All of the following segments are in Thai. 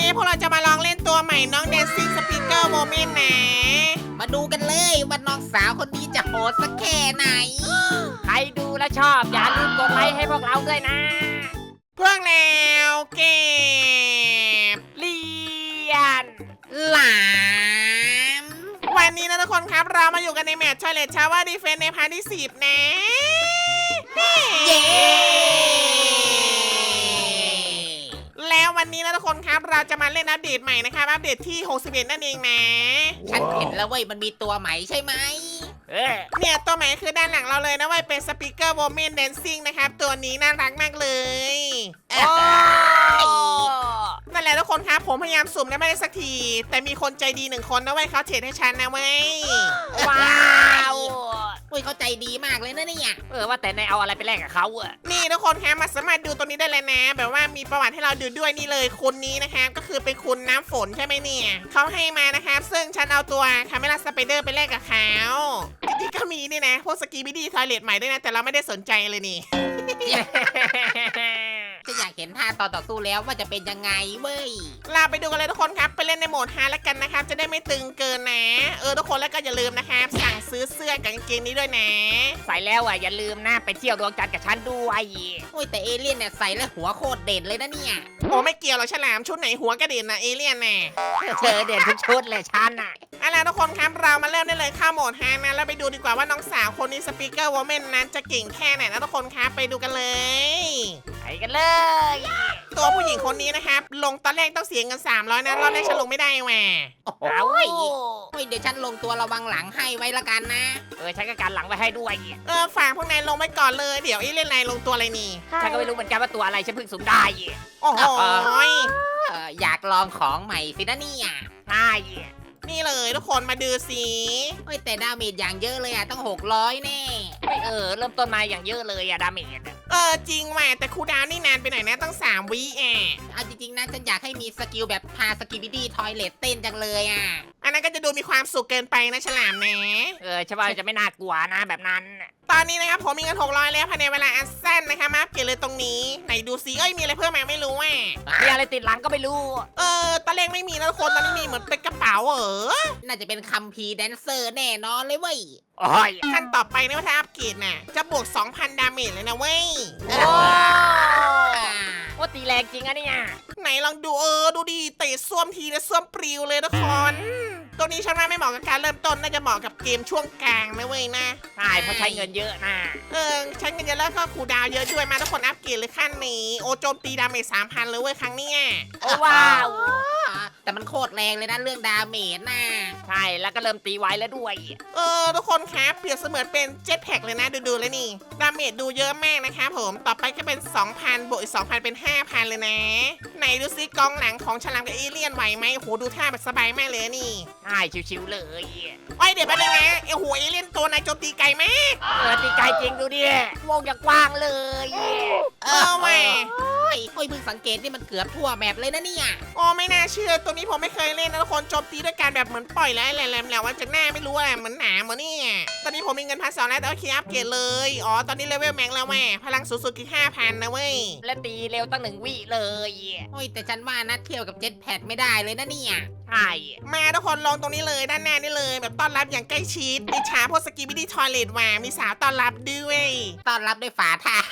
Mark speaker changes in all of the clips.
Speaker 1: พวกเราจะมาลองเล่นตัวใหม่น้อง Dancing Speaker Woman นะ
Speaker 2: มาดูกันเลยว่าน้องสาวคนนี้จะโหดสักแค่ไหน
Speaker 3: ใครดูและชอบอย่าลืมกดไลค์ให้พวกเราด้วยนะ
Speaker 1: พวกแล้วเก็บ
Speaker 3: เรียน
Speaker 2: หลาม
Speaker 1: วันนี้นะทุกคนครับเรามาอยู่กันในแมตช์ Toilet Shower Defense ในพาร์ทที่ 10 นะ
Speaker 2: เย้
Speaker 1: แล้ววันนี้นะทุกคนครับเราจะมาเล่นอัปเดตใหม่นะครับอัปเดตที่ 61 นั่นเองนะ
Speaker 2: ฉันเห็นแล้วเว้ยมันมีตัวใหม่ใช่ไหม
Speaker 1: เนี่ยตัวใหม่คือด้านหลังเราเลยนะเว้ยเป็น Speaker Woman Dancing นะครับตัวนี้น่ารักมากเลย
Speaker 3: โอ้
Speaker 1: นั่นแหละทุกคนครับผมพยายามสุ่มได้ไม่ได้สักที แต่มีคนใจดีหนึ่งคนนะเว้ยเขาเทรดให้ฉันนะเว้ย
Speaker 3: ว้าว
Speaker 2: เฮ้ยเขาใจดีมากเลยนะเนี่ย
Speaker 3: ว่าแต่นายเอาอะไรไปแลกกับเขาอะ
Speaker 1: นี่ทุกคนครับมาสามารถดูตรงนี้ได้เลยนะ แบบว่ามีประวัติให้เราดูด้วยนี่เลยคนนี้นะครับก็คือเป็นคุณน้ำฝนใช่ไหมเนี่ยเขาให้มานะครับซึ่งฉันเอาตัวคาเมล่าสไปเดอร์ไปแลกกับเขาจริงๆก็มีนี่นะพวกสกีบิดี้ทอยเลทใหม่ด้วยนะแต่เราไม่ได้สนใจเลยนี่
Speaker 2: จะอยากเห็นท่าตอนต่อสู้แล้วว่าจะเป็นยังไงเว้ย
Speaker 1: เราไปดูกันเลยทุกคนครับไปเล่นในโหมดฮาร์ดแล้วกันนะครับจะได้ไม่ตึงเกินนะทุกคนแล้วก็อย่าลืมนะครับสั่งซื้อเสื้อกับกางเกงนี้ด้วยนะ
Speaker 3: ใส่แล้วอะอย่าลืมนะไปเที่ยวดวงจันทร์กับฉันด้วย
Speaker 2: โอ้ยแต่เอเลี่ยนเนี่ยใส่แล้วหัวโคตรเด่นเลยนะเนี่ย
Speaker 1: โอ้ไม่เกี่ยวหรอกฉลามชุดไหนหัวกระเด็นนะเอเลี่ยนน่ะ
Speaker 3: เธอเด่นทุกชุดเลยฉันอะ
Speaker 1: เอาล่ะทุกคนครับเรามาเริ่มได้เลยเข้าโหมดฮาร์ดนะแล้วไปดูดีกว่าว่าน้องสาวคนนี้สปีกเกอร์วอมเมนนั้นจะเก่งแค่ไหนนะทุกคนครับไปดูกันเลย
Speaker 3: ไปกันเลย
Speaker 1: ตัวผู้หญิงคนนี้นะครับลงตอนแรกต้องเสียเงิน300นะรอบแรกฉันลงไม่ได้แหว
Speaker 2: โอ้โห
Speaker 3: เอา
Speaker 2: เฮ้ยเดี๋ยวฉันลงตัวระวังหลังให้ไว้ละกันนะ
Speaker 3: ฉันก็การหลังไว้ให้ด้วย
Speaker 1: ฝากพวกนายลงไว้ก่อนเลยเดี๋ยวเอเลี่ยนนายลงตัวอะไรนี่
Speaker 3: ฉันก็ไม่รู้เหมือนกันว่าตัวอะไรฉันเพิ่งสุ่มได้
Speaker 1: โอ้โห
Speaker 2: อยากลองของใหม่สินะเนี่ย
Speaker 3: ใช่
Speaker 1: นี่เลยทุกคนมาดูสิ
Speaker 2: เฮ้ยแต่ดาเมจอย่างเยอะเลยอ่ะต้อง600แน่
Speaker 3: เริ่มต้นมาอย่างเยอะเลยอะดาเมจ
Speaker 1: จริงแหวแต่คูลดาวน์นี่นานไปหน่อยนะตั้ง3 วิอ่ะ
Speaker 2: เอาจริงๆนะฉันอยากให้มีสกิลแบบพาสกิบิดี้ทอยเลตเต้นจังเลยอ่ะ
Speaker 1: อันนั้นก็จะดูมีความสุขเกินไปนะฉลามนะ
Speaker 3: ฉันว่าจะไม่น่ากลัวนะแบบนั้น
Speaker 1: ตอนนี้นะครับผมมีเงิน600แล้วภายในเวลาอันสั้นนะคะมาอัปเกรดเลยตรงนี้ไหนดูซิมีอะไรเพิ่มมาไม่รู้อ่ะ
Speaker 3: มีอะไรติดหลังก็ไม่รู้
Speaker 1: ตอนแรกไม่มีนะทุกคนตอนนี้มีเหมือนเป็นกระเป๋า
Speaker 2: น่าจะเป็นคัมภีร์แดนเซอร์แน่นอนเลยเว้ย
Speaker 3: โอ้ย
Speaker 1: ขั้นต่อไปนะว่าถ้าอัปเกรดน่ะจะบวก 2,000 ดาเมจเลยนะเว้ย
Speaker 3: โอ้ว่าตีแรงจริงอะเนี่ย
Speaker 1: ไหนลองดูดูดิเตะส้วมทีนะส้วมปลิวเลยทุกคนตัวนี้ฉันว่าไม่เหมาะกับการเริ่มต้นน่าจะเหมาะกับเกมช่วงกลางนะเว้ยนะ
Speaker 3: ใช่เพราะใช้เงินเยอะนะ
Speaker 1: ใช้เงินเยอะแล้วก็คูลดาวน์เยอะด้วยมาทุกคนอัปเกรดเลยขั้นนี้โจมตีดาเมจ 3,000 เลยเว้ยครั้งเนี้ย
Speaker 3: โอ้ว้าว
Speaker 2: แต่มันโคตรแรงเลยนะเรื่องดาเมจน่ะ
Speaker 3: ใช่แล้วก็เริ่มตีไวแล้วด้วย
Speaker 1: ทุกคนครับเปรียบเสมือนเป็นเจ็ตแพ็กเลยนะดูเลยนี่ดาเมจดูเยอะมากนะครับผมต่อไปก็เป็น 2,000 บวกอีก 2,000 เป็น 5,000 เลยนะไหนดูซิกองหลังของฉลามกับเอเลี่ยนไหวไหมโหดูท่าแบบสบายมากเลยนี่
Speaker 3: ใช่ชิวๆเลย
Speaker 1: เดี๋ยวแป๊บนึงนะเอเลี่ยนตัวนายโจมตีไกลมาก
Speaker 3: ตีไกลจริงดูดิวงอย่างกว้างเลย
Speaker 1: แหว
Speaker 2: โอ้ยเพิ่งสังเกตนี่มันเกือบทั่วแมปเลยนะเนี่ย
Speaker 1: ไม่น่าเชื่อตัวนี้ผมไม่เคยเล่นนะทุกคนโจมตีด้วยการแบบเหมือนปล่อยแล้วแหลมๆแล้วว่าจากหน้าไม่รู้อะไรเหมือนหนามเหมือนนี่ตอนนี้ผมมีเงิน1,200แล้วแต่โอเคอัปเกรดเลยตอนนี้เลเวลแม็กแล้วแม่พลังสูงสุดคือ 5,000 นะเว้ย
Speaker 3: และตีเร็วตั้ง1 วิเลย
Speaker 2: โอ้ยแต่ฉันว่านะเที่ยวกับเจ็ตแพดไม่ได้เลยนะเนี่ย
Speaker 3: ใช่
Speaker 1: มาทุกคนลองตรงนี้เลยด้านหน้านี่เลยแบบต้อนรับอย่างใกล้ชิดอิจฉาพวกสกีบิดี้ทอยเลทว่ามีสาวต้อนรับด้วย
Speaker 2: ต้อนรับด้วยฝ่าเท้า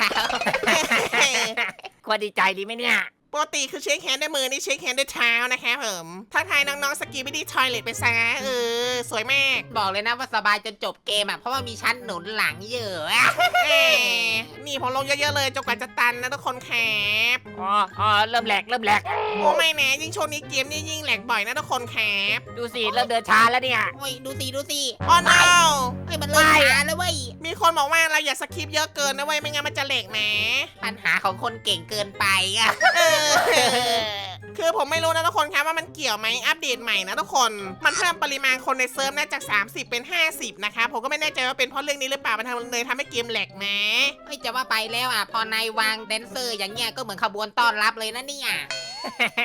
Speaker 3: ควรดีใจดีไหมเนี่ย
Speaker 1: ปกติคือเช็คแฮนด์ด้วยมือนี่เช็คแฮนด์ด้วยเท้านะคะผมทักทายน้องๆสกีบิดี้ทอยเลทไปซะสวยมาก
Speaker 2: บอกเลยนะว่าสบายจนจบเกมอ่ะเพราะว่ามีชั้นหนุนหลังเยอะอะ
Speaker 1: นี่ผมลงเยอะๆเลยจนกว่าจะตันนะทุกคนครับ
Speaker 3: เริ่มแหลก
Speaker 1: โอ้ไม่แน่ยิ่งช่วงนี้เกมนี่ยิ่งแหลกบ่อยนะทุกคนครับ
Speaker 3: ดูสิเริ่มเดินช้าแล้วเนี่ย
Speaker 2: โอ้ยดูสิ
Speaker 1: อ๋อ no
Speaker 2: เฮ้ยมันเริ่มช้าแล้วเว้ย
Speaker 1: มีคนบอกว่าเราอย่าสคิปเยอะเกินนะเว้ยไม่งั้นมันจะแหลกนะ
Speaker 2: ปัญหาของคนเก่งเกินไปอ่ะ
Speaker 1: คือผมไม่รู้นะทุกคนครับว่ามันเกี่ยวไหมอัปเดตใหม่นะทุกคนมันเพิ่มปริมาณคนในเซิร์ฟนะจาก30เป็น50นะคะผมก็ไม่แน่ใจว่าเป็นเพราะเรื่องนี้หรือเปล่ามันเลยทำให้เกมแหลกนะ
Speaker 2: เฮ้ยจะว่าไปแล้วอ่ะพอนายวางแดนเซอร์อย่างเงี้ยก็เหมือนขบวนต้อนรับเลยนะเนี่ย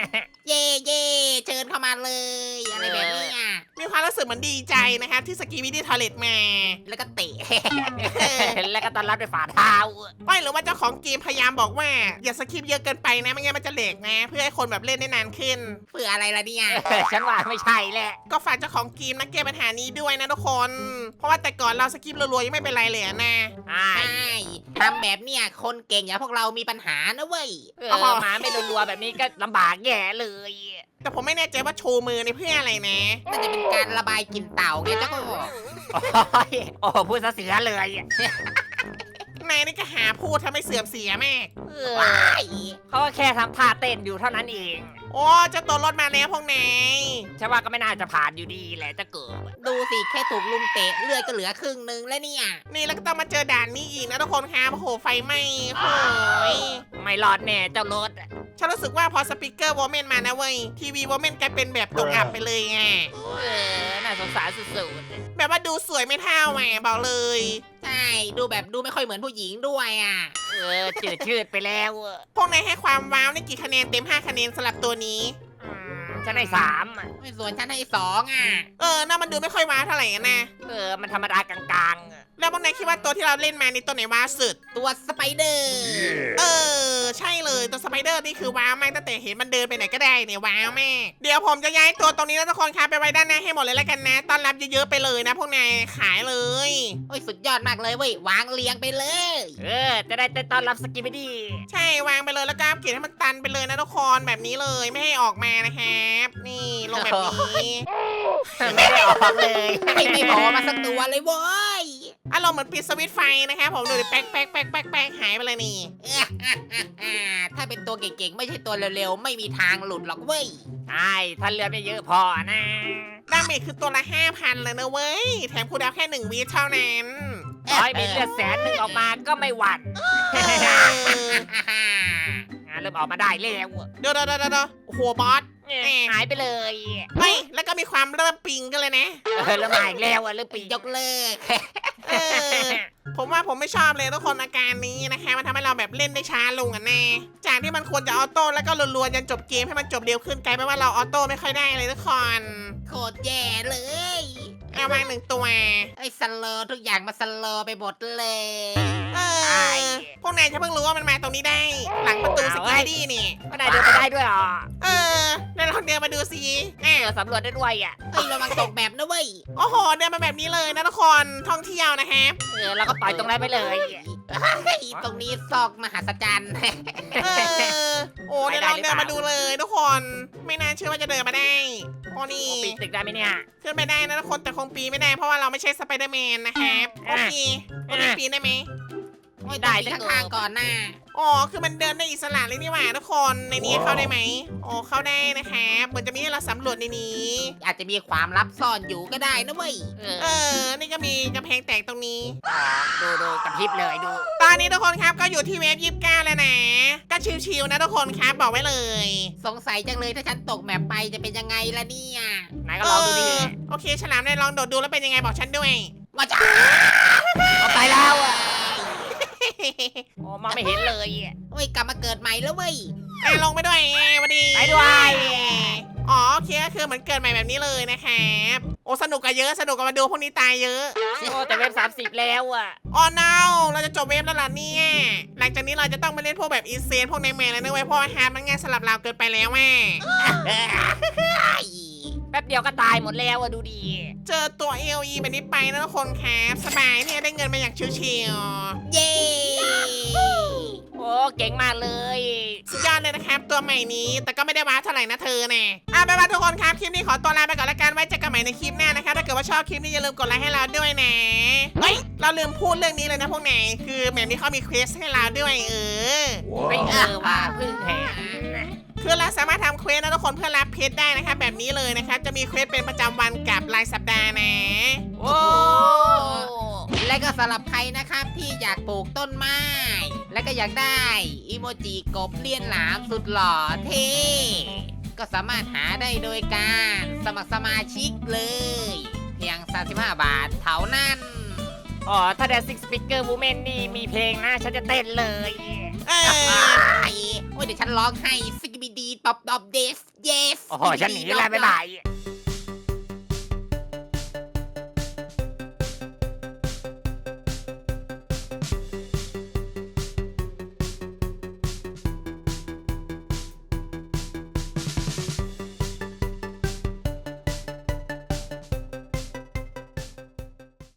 Speaker 2: เย่เย่เชิญเข้ามาเลยอะไรแบบเนี้ย
Speaker 1: มีความรู้สึกเหมือนดีใจนะคะที่สกีวิดีทอเลตมา
Speaker 2: แล้วก็เตะ
Speaker 3: แล้วก็ต้อนรับด้วยฝ่าเท้า
Speaker 1: ไม่หรือว่าเจ้าของเกมพยายามบอกว่าอย่าสกิปเยอะเกินไปนะไม่งั้นมันจะเหลกนะ เพื่อให้คนแบบเล่นได้นานขึ้น
Speaker 2: เพื่ออะไรล่ะเนี่ย
Speaker 3: ฉันว่าไม่ใช่แหละ
Speaker 1: ก็ฝากเจ้าของเกมนะแก้ปัญหานี้ด้วยนะทุกคน เพราะว่าแต่ก่อนเราสกิปรัวๆยังไม่เป็นไรเลยอะนะ
Speaker 2: ใช่ทำแบบเนี้ยคนเก่งอย่างพวกเรามีปัญหานะเว้ย
Speaker 3: หมาไม่รัวๆแบบนี้ก็ลำบากแย่เลย
Speaker 1: แต่ผมไม่แน่ใจว่าโชว์มือในเพื่ออะไรนะ
Speaker 2: น่าจะเป็นการระบายกลิ่นเต่าไงเจ้าก็
Speaker 3: โอ้พูดซะเสียเลย
Speaker 1: นายนี่ก็หาพูดทำให้เสื่อมเสียแม่
Speaker 2: ว้าย
Speaker 3: เขาก็แค่ทำท่าเต้นอยู่เท่านั้นเอง
Speaker 1: โอ้เจ้าตัวรถมาแล้วพวกนาย
Speaker 3: ฉันว่าก็ไม่น่าจะผ่านอยู่ดีแหละจะเกิด
Speaker 2: ดูสิแค่ถูกลุมเตะเลือดก็เหลือครึ่งนึงแล้วเนี่ย
Speaker 1: นี่แล้วก็ต้องมาเจอด่านนี้อีกนะทุกคนครับโอ้โหไฟไหม้โอ้ย
Speaker 3: ไม่รอดแน่เจ้ารถ
Speaker 1: ฉันรู้สึกว่าพอสปีกเกอร์วอเมนมานะเว้ยทีวีวอเมนกลายเป็นแบบตกอับไปเลยไง
Speaker 3: น่าสงสารสุด
Speaker 1: แบบว่าดูสวยไม่เท่าแหมบอกเลย
Speaker 2: ใช่ดูแบบดูไม่ค่อยเหมือนผู้หญิงด้วยอ่ะ
Speaker 3: จืดชืดไปแล้ว
Speaker 1: พวกนายให้ความว้าวนี่กี่คะแนนเต็ม 5 คะแนนสำหรับตัวนี้
Speaker 3: ฉันให้สาม
Speaker 2: ไม่ส่วนฉันให้2อ่ะ
Speaker 1: น่ามันดูไม่ค่อยว้าวเท่าไหร่นะ
Speaker 3: มันธรรมดากลาง
Speaker 1: แล้วพวกนายคิดว่าตัวที่เราเล่นมานี่ตัวไหนว้าวสุด
Speaker 2: ตัวสไปเดอร์
Speaker 1: ใช่เลยตัวสไปเดอร์นี่คือว้าวมากตั้งแต่เห็นมันเดินไปไหนก็ได้เนี่ยว้าวแม่เดี๋ยวผมจะย้ายตัวตรงนี้นะทุกคนครับไปไว้ด้านหน้าให้หมดเลยแล้วกันนะต้อนรับเยอะๆไปเลยนะพวกนายขายเลย
Speaker 2: โอ้ยสุดยอดมากเลยเว้ยวางเรียงไปเลย
Speaker 3: จะได้เต้นต้อนรับสกิปปี้
Speaker 1: ใช่วางไปเลยแล้วก็เกลียดให้มันตันไปเลยนะทุกคนแบบนี้เลยไม่ให้ออกมานะครับนี่ลงแบบนี้
Speaker 3: ไม่ได้ออกเลย
Speaker 2: ไม่บอกมาสักตัวเลยเว้ย
Speaker 1: อารมณ์เหมือนปิดสวิตช์ไฟนะครับผมดูดิแป๊กแป๊กแป๊กแป๊กแป๊กหายไปเลยนี่
Speaker 2: ถ้าเป็นตัวเก่งๆ ไม่ใช่ตัวเร็วๆ ไม่มีทางหลุดหรอกเว้ย
Speaker 3: ใช่ถ้าเลือดไม่เยอะพอนะ
Speaker 1: ดาเมจคือตัวละ 5,000 เลยนะเว้ยแถมคูลดาวน์แค่ 1 วิเท่านั้น
Speaker 3: ร้อยมีเลือด100,000ออกมาก็ไม่หวั่น
Speaker 1: เออ
Speaker 3: เริ่มออกมาได้แล้ว
Speaker 1: เดี๋ยวโอ้โหบอส
Speaker 3: หายไปเลย
Speaker 1: เฮ้ยแล้วก็มีความเริ่มปิงกันเลยนะ
Speaker 3: เริ่มมาอีกแล้วเริ่มปี
Speaker 2: ยกเลิก
Speaker 1: เออผมว่าผมไม่ชอบเลยทุกคนอาการนี้นะคะมันทำให้เราแบบเล่นได้ช้าลงอ่ะแน่จากที่มันควรจะออโต้แล้วก็รัวๆจนจบเกมให้มันจบเร็วขึ้นกลายเป็นว่าเราออโต้ไม่ค่อยได้เลยทุกคน
Speaker 2: โคตรแย่เลย
Speaker 1: เอาวาง1 ตัว
Speaker 2: ไอ้สโลว์ทุกอย่างมาสโลว์ไปหมดเลย
Speaker 1: พวกนายจะเพิ่งรู้ว่ามันมาตรงนี้ได้ หลังประตูสกีดี้นี่
Speaker 3: ไม่ได้เดินไปได้ด้วยหรอ
Speaker 1: แล้วลองเดินมาดูสิ
Speaker 3: สำรวจได้ด้วยอ่ะ
Speaker 2: เฮ้ยระวังตกแบบนะเว้ย
Speaker 1: โอ้โหเดินมาแบบนี้เลยนะทุกคนท่องเที่ยวนะครับ
Speaker 3: แล้วก็ต่อยตรงนั้นไปเลย
Speaker 2: เฮ้ยตรงนี้ซอกมหัศจรรย์
Speaker 1: โอ้เดี๋ยวเราเดินมาดูเลยทุกคนไม่น่าเชื่อว่าจะเดินมาได้โอ้นี่
Speaker 3: ปีนตึกได้ไหมเนี่ย
Speaker 1: ขึ้นไปได้นะทุกคนแต่คงปีนไม่ได้เพราะว่าเราไม่ใช่สไปเดอร์แมนนะครับโอเคโอเคปีนได้ไหม
Speaker 2: โอ้ยได้ข้างๆก่อนหน้า
Speaker 1: อ๋อคือมันเดินได้อิสระเลยนี่หว่าทุกคนในนี้เข้าได้ไหมอ๋อเข้าได้นะครับเหมือนจะมีให้เราสำรวจในนี้
Speaker 2: อาจจะมีความลับซ่อนอยู่ก็ได้นะเว้ย
Speaker 1: นี่ก็มีกำแพงแตกตรงนี้
Speaker 3: ดูกับพริบเลยดู
Speaker 1: ตอนนี้ทุกคนครับก็อยู่ที่เวฟ29แล้วนะ ก็ชิวๆนะทุกคนครับบอกไว้เลย
Speaker 2: สงสัยจังเลยถ้าฉันตกแมปไปจะเป็นยังไงล่ะเนี่ย
Speaker 3: ไหนก็ลองดูดิ
Speaker 1: โอเคฉลามได้ลองโดดดูแล้วเป็นยังไงบอกฉันด้วย
Speaker 2: ว่าจะ
Speaker 3: เอาไปแล้วอ่ะโอ้มาไม่เห็นเลย
Speaker 2: โอ้ยกลับมาเกิดใหม่แล้วเว้ย
Speaker 1: ลงไปด้วยสวัสดี
Speaker 3: ไปด้วย
Speaker 1: อ๋อโอเคก็คือเหมือนเกิดใหม่แบบนี้เลยนะครับโอ้สนุกกันเยอะสนุกกันมาดูพวกนี้ตายเยอะ
Speaker 3: โอ้แต่เว็บ30แล้วอ่ะ
Speaker 1: อ๋อ no เราจะจบเวฟแล้วล่ะเนี่ยหลังจากนี้เราจะต้องไปเล่นพวกแบบอีเซนพวกในแมนแล้วนะเว้ยเพราะว่าฮาร์ดมันง่ายสำหรับเราเกินไปแล้วแม่
Speaker 3: แป๊บเดียวก็ตายหมดแล้วอ่ะดูดี
Speaker 1: เจอตัว AOE แบบนี้ไปนะทุกคนครับสบายเนี่ยได้เงินมาอย่างชิว
Speaker 2: เย้
Speaker 3: โอ้เก่งมากเลย
Speaker 1: ๆสุดยอดเลยนะครับตัวใหม่นี้แต่ก็ไม่ได้ว้าเท่าไหร่นะเธอแน่ไปนว่าทุกคนครับคลิปนี้ขอตัวลาไปก่อนละกันไว้เจอกันใหม่ในคลิปหน้านะครับถ้าเกิดว่าชอบคลิปนี้อย่าลืมกดไลค์ให้เราด้วยนะเฮ้ยเราลืมพูดเรื่องนี้เลยนะพวกนายคือแบบนี้เขามีเควสให้เราด้วย
Speaker 3: ไม่ว่าเพิ่งเห็น
Speaker 1: คือเราสามารถทำเควสนะทุกคนเพื่อรับเพชรได้นะครับแบบนี้เลยนะครับจะมีเควสเป็นประจำวันกับรายสัปดาห์นะ
Speaker 3: โอ้
Speaker 2: และก็สำหรับใครนะครับที่อยากปลูกต้นไม้ และก็อยากได้อีโมจิกบเลียนหลามสุดหล่อเท่ก็สามารถหาได้โดยการสมัครสมาชิกเลย เพียง 35 บาทเท่านั้น
Speaker 3: อ๋อถ้าแดนซิกสปิเกอร์วูแมนนี่มีเพลงนะฉันจะเต้นเลย
Speaker 1: เออ
Speaker 2: โอ้ยเดี๋ยวฉันร้องให้สกิบิดีปอบเดฟเยส
Speaker 3: โอ้โหฉันหนีแล้วบ๊ายบาย